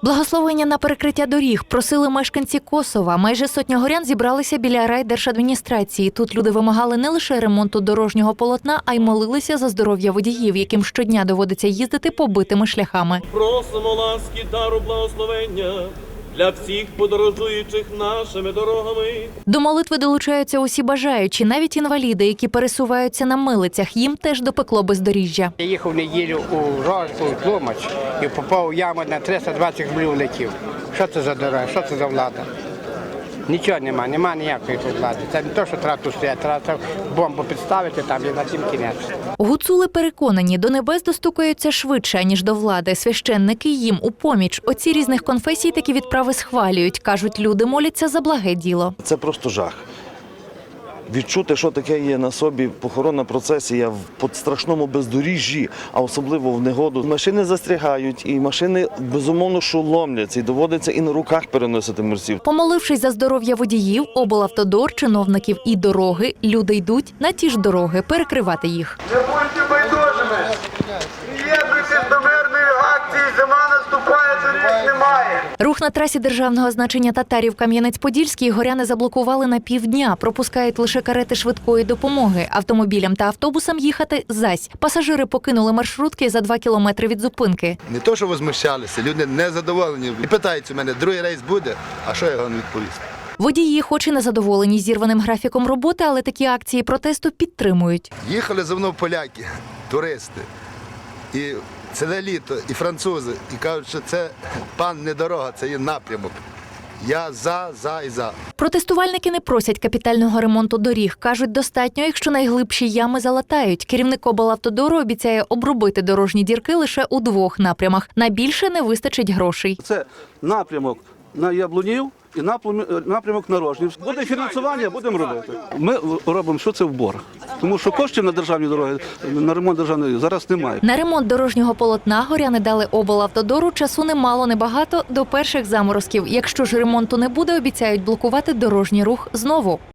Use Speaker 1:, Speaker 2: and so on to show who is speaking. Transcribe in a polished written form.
Speaker 1: Благословення на перекриття доріг просили мешканці Косова. Майже сотня горян зібралися біля райдержадміністрації. Тут люди вимагали не лише ремонту дорожнього полотна, а й молилися за здоров'я водіїв, яким щодня доводиться їздити побитими шляхами.
Speaker 2: Просимо ласки, дару благословення для всіх подорожуючих нашими дорогами.
Speaker 1: До молитви долучаються усі бажаючі, навіть інваліди, які пересуваються на милицях. Їм теж допекло бездоріжжя.
Speaker 3: Я їхав в неділю у Тлумач і попав у яму на 320 рублів летів. Що це за дорога, що це за влада? Нічого нема ніякої тут влади. Це не те, що треба тут стояти, треба бомбу підставити там і на тім кінець.
Speaker 1: Гуцули переконані, до небес достукаються швидше, ніж до влади. Священники їм у поміч. Отці різних конфесій такі відправи схвалюють. Кажуть, люди моляться за благе діло.
Speaker 4: Це просто жах. Відчути, що таке є на собі похоронна процесія в страшному бездоріжжі, а особливо в негоду. Машини застрягають, і машини, безумовно, що ломляться, і доводиться і на руках переносити мерців.
Speaker 1: Помолившись за здоров'я водіїв, облавтодор, чиновників і дороги, люди йдуть на ті ж дороги перекривати їх.
Speaker 5: Не будьте байдужими. Приєднуйтесь до мирної акції. Зима наступає, доріг немає.
Speaker 1: Рух на трасі державного значення Татарів-Кам'янець-Подільський горяни заблокували на півдня. Пропускають лише карети швидкої допомоги. Автомобілям та автобусам їхати зась. Пасажири покинули маршрутки за 2 кілометри від зупинки.
Speaker 6: Не то, що возмущалися, люди незадоволені. І питаються мене, другий рейс буде, а що я вам відповісти?
Speaker 1: Водії хоч і не задоволені зірваним графіком роботи, але такі акції протесту підтримують.
Speaker 6: Їхали за мною поляки, туристи, і ціле літо, і французи, і кажуть, що це пан не дорога, це є напрямок. Я за і за.
Speaker 1: Протестувальники не просять капітального ремонту доріг. Кажуть, достатньо, якщо найглибші ями залатають. Керівник облавтодору обіцяє обробити дорожні дірки лише у 2 напрямах. На більше не вистачить грошей.
Speaker 7: Це напрямок на Яблунів і напрямок на Рожнів. Буде фінансування, будемо робити. Ми робимо, що це в борг. Тому що коштів на державні дороги, на ремонт державної зараз немає.
Speaker 1: На ремонт дорожнього полотна горяни дали облавтодору часу немало, небагато до перших заморозків. Якщо ж ремонту не буде, обіцяють блокувати дорожній рух знову.